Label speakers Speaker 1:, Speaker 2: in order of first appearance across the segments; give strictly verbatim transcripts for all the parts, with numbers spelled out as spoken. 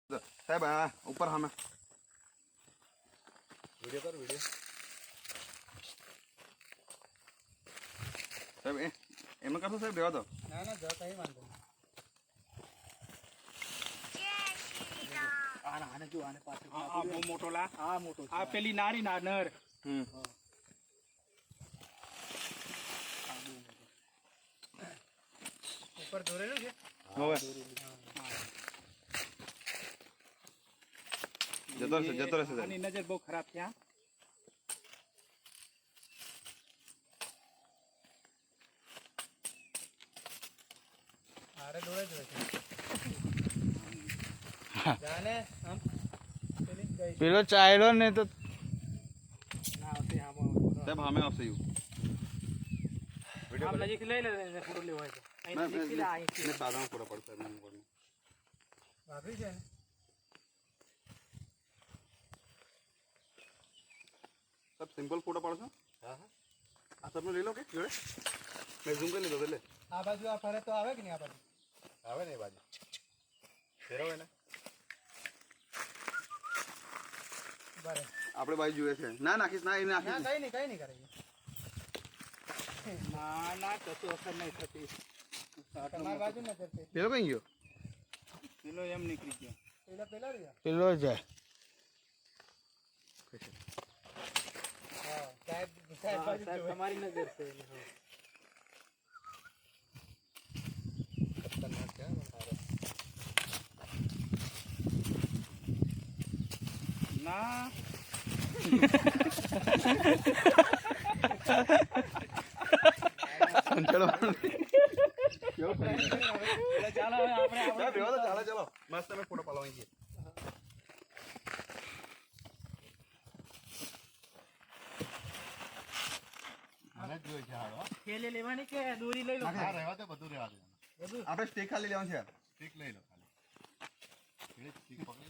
Speaker 1: साहब हाँ ऊपर हमें
Speaker 2: वीडियो कर वीडियो
Speaker 1: साहब ए एम करतो साहब देवा तो
Speaker 3: ना ना जो काही वांधो आना आना जो आने पास
Speaker 4: आ बो मोटोला
Speaker 3: आ मोटो
Speaker 4: आ पेली नारी ना नर
Speaker 1: हम्म
Speaker 3: ऊपर દોરેલું છે
Speaker 1: होवे जतो रहશે जतो रहશે
Speaker 4: આની નજર બહુ ખરાબ છે હા
Speaker 3: આરે દોરે જ છે જાને આમ પેલી ગઈ
Speaker 5: પેલો ચાલ્યો ને તો
Speaker 3: ના આવતી આમ
Speaker 1: साहब हमें आपसे यू
Speaker 3: આમ નજીક લઈ લે ફોટો લેવો હોય તો અહીં
Speaker 1: मैं
Speaker 3: નજીક થી લે અહીં
Speaker 1: मैं सादा में पूरा पड़ता है मैं बोलूं
Speaker 3: ભાગી જાય ને
Speaker 1: सब सिंपल फोटो पड़ो हां हां आ सब ले लो के जोड़े मैं जूम कर ले दो ले
Speaker 3: આ બાજુ આ ફરે તો આવે કે નહીં આ બાજુ
Speaker 2: આવે ને બાજુ ફેરવે ને
Speaker 3: બરે
Speaker 1: આપણે બાજુ જોઈએ છે ના નાખીશ ના એ
Speaker 3: ના
Speaker 1: નાખીશ
Speaker 3: કઈ નહીં કઈ નહીં કરે
Speaker 4: ના ના કશું અસર નહીં થતી
Speaker 3: તમારી બાજુ નજર છે
Speaker 1: પેલો કઈ ગયો
Speaker 4: પેલો એમ નીકળી ગયો
Speaker 3: પેલા પેલા રહ્યા
Speaker 5: પેલો જાય
Speaker 3: હા સાહેબ સાહેબ બાજુ
Speaker 4: સાહેબ
Speaker 3: જોવે.
Speaker 4: તમારી નજર છે
Speaker 2: ખતરનાક છે તારો
Speaker 4: ના
Speaker 1: ચલો
Speaker 4: ચાલો હવે આપણે
Speaker 1: સાહેબ રેવા દો ચાલો ચલો મસ્ત અમે ફોટો પાડવા છીએ
Speaker 2: મને જ જોઈ છે હાલો
Speaker 3: થેલી લેવાની કે દોરી લઈ લો
Speaker 2: હા રહેવા દે બધું રહેવા દે
Speaker 3: બધું
Speaker 1: આપણે સ્ટેક ખાલી લેવાનું છે
Speaker 2: સ્ટીક લઈ લો ખાલી એ સ્ટીક પકડી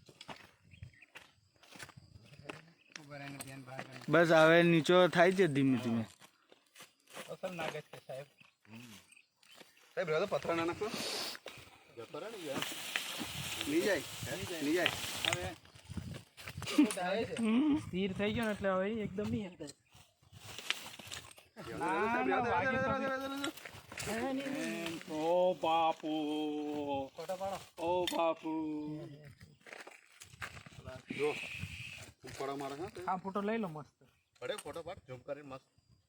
Speaker 3: ઉભા રહીને ધ્યાન બહાર કરી
Speaker 5: બસ હવે નીચો થાય છે ધીમે ધીમે
Speaker 4: અસર નાગે છે સાહેબ
Speaker 1: સાહેબ રેવા દો પથરા ના નાખો
Speaker 2: જતો રહે ને યાર
Speaker 1: નહીં જાય નહીં જાય
Speaker 4: હવે
Speaker 3: જાય છે
Speaker 4: સ્થિર થઈ ગયો ને એટલે હવે એકદમ નહીં હલતા
Speaker 1: સાહેબ રેવા દો, રેવા દો, રેવા દો, રેવા દો, રેવા દો.
Speaker 4: ઓ બાપુ
Speaker 3: ફોટો પાડો
Speaker 4: ઓ બાપુ
Speaker 1: જો ઉપર મારા હા
Speaker 4: આ ફોટો લઈ લો મસ્ત
Speaker 2: પડે ફોટો પાડ ઝૂમ કરીને મસ્ત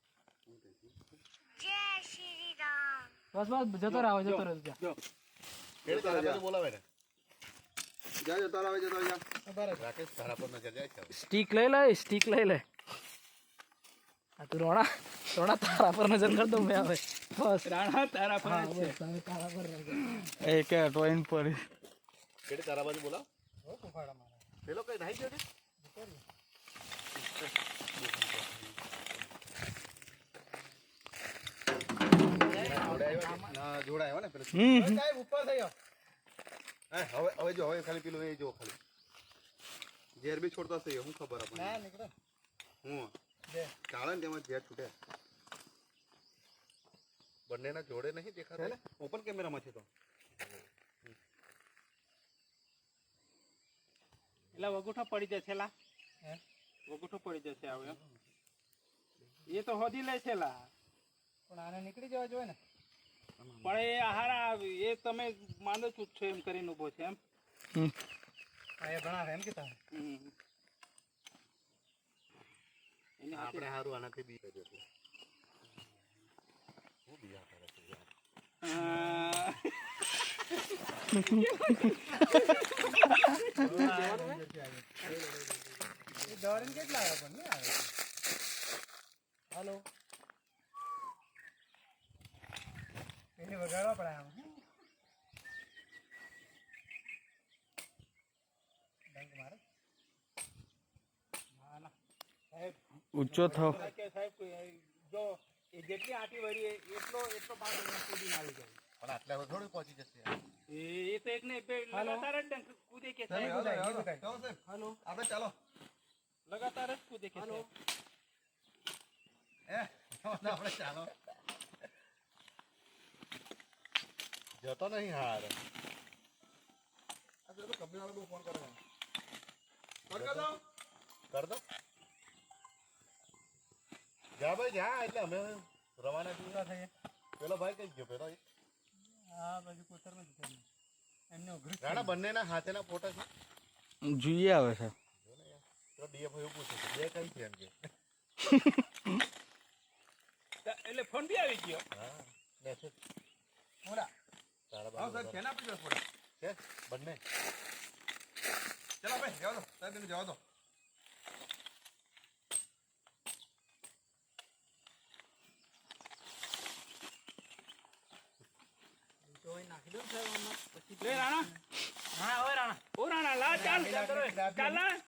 Speaker 4: બસ બસ જતો રહો જતો રહો જા
Speaker 2: કેડે તારા બાજુ બોલાવે ને
Speaker 1: જા જતો આવે જતો જા
Speaker 3: બરાબર
Speaker 2: રાકેશ તારા પર નજર જાય છે
Speaker 4: સ્ટીક લઈ લે સ્ટીક લઈ લે આ તું રોણા રોણા તારા પર નજર કર દો મેં હવે બસ રાણા તારા પર જ છે
Speaker 3: તારા પર નજર
Speaker 5: એ કે ટોઈન પર
Speaker 2: કેડે તારા બાજુ બોલાવ
Speaker 3: હો કુફાડા મારા
Speaker 2: પેલો કઈ નહીં ગયો
Speaker 1: ના જોડાયો ને પેલો
Speaker 5: હમ
Speaker 3: સાહેબ ઉપર થઈ જાઓ
Speaker 1: હે હવે હવે જો હવે ખાલી પેલું એ જો ખાલી ઝેર બી છોડતા છે હું ખબર
Speaker 3: ના
Speaker 1: આપણને
Speaker 3: નીકળો
Speaker 1: હું
Speaker 3: બે
Speaker 1: કાળા ને તેમાં ઝેર છૂટે
Speaker 2: બંનેના જોડે નહીં
Speaker 1: છે
Speaker 2: દેખાતા
Speaker 1: ને ઓપન કેમેરામાં છે તો
Speaker 4: એટલે વગોઠો પડી જશે લા
Speaker 3: હે
Speaker 4: વગોઠો પડી જશે હવે એ તો હોદી લે છે લા
Speaker 3: પણ આને નીકળી જવા જોઈએ ને
Speaker 4: પણ એ હારા એ તમે માંદો છૂટ છો એમ કરીને ઉભો છે એમ
Speaker 3: આ એ ભણાવે એમ કે તારે
Speaker 4: હમ. એની હાથે
Speaker 2: આપણે હારું આનાથી બી કર્યો છે હું બિયા કરે છે યાર
Speaker 4: હા.
Speaker 3: એ દોરીને કેટલા આવે પણ નહીં આવે હાલો એને વગાડવા પડે આમ ડંક મારે
Speaker 4: ના ના સાહેબ
Speaker 5: ઊંચો થાવ
Speaker 4: કે સાહેબ જો એ જેટલી આટી વળી એ- એટલો એટલો ભાગ કૂદીને આવી જાય
Speaker 2: પણ આટલા હવે થોડું પહોંચી જશે યાર
Speaker 4: એ એ તો એક ને બે લગાતાર જ ડંક કૂદે કે
Speaker 1: સાહેબ
Speaker 4: સાહેબ
Speaker 1: રેવા દો, રેવા દો.
Speaker 3: સાહેબ,
Speaker 1: ચાલો સાહેબ
Speaker 4: હાલો
Speaker 1: આપણે ચાલો
Speaker 4: લગાતાર જ કૂદે કે સાહેબ
Speaker 1: હે આપણે ચાલો
Speaker 2: જતો નહીં હાર
Speaker 1: આ તો કંપની વાળા બહુ ફોન કરે છે. કર દો
Speaker 2: કર દો જા ભાઈ જા એટલે અમે રવાના થઈએ.
Speaker 3: પૂરા થઈએ
Speaker 2: પેલો ભાઈ કઈ ગયો પેલો એ?
Speaker 3: આ બાજુ કોતરમાં જતો રહ્યો. એમને ઉઘરું જ
Speaker 2: રાણા બંનેના હાથેના ફોટા છે
Speaker 5: જોઈએ આવે છે
Speaker 2: જો ને યાર. તો ડીએફ એવું પૂછે છે બે કઈ છે એમ કે
Speaker 4: એટલે ફોન બી આવી ગયો.
Speaker 2: હા મેસેજ
Speaker 1: મોડા
Speaker 2: તારા
Speaker 1: આવો સાહેબ
Speaker 2: બાજુ
Speaker 1: કેના આપી દો ફોટા
Speaker 2: છે બંને
Speaker 1: ચલો ભાઈ જવા દો સાહેબ એને જવા દો
Speaker 3: તો અહીં નાખી દો ને સાહેબ આમાં. પછી
Speaker 4: લે રાણા
Speaker 3: હા હવે રાણા
Speaker 4: ઓ રાણા લા ચાલ ચાલ ચાલ લા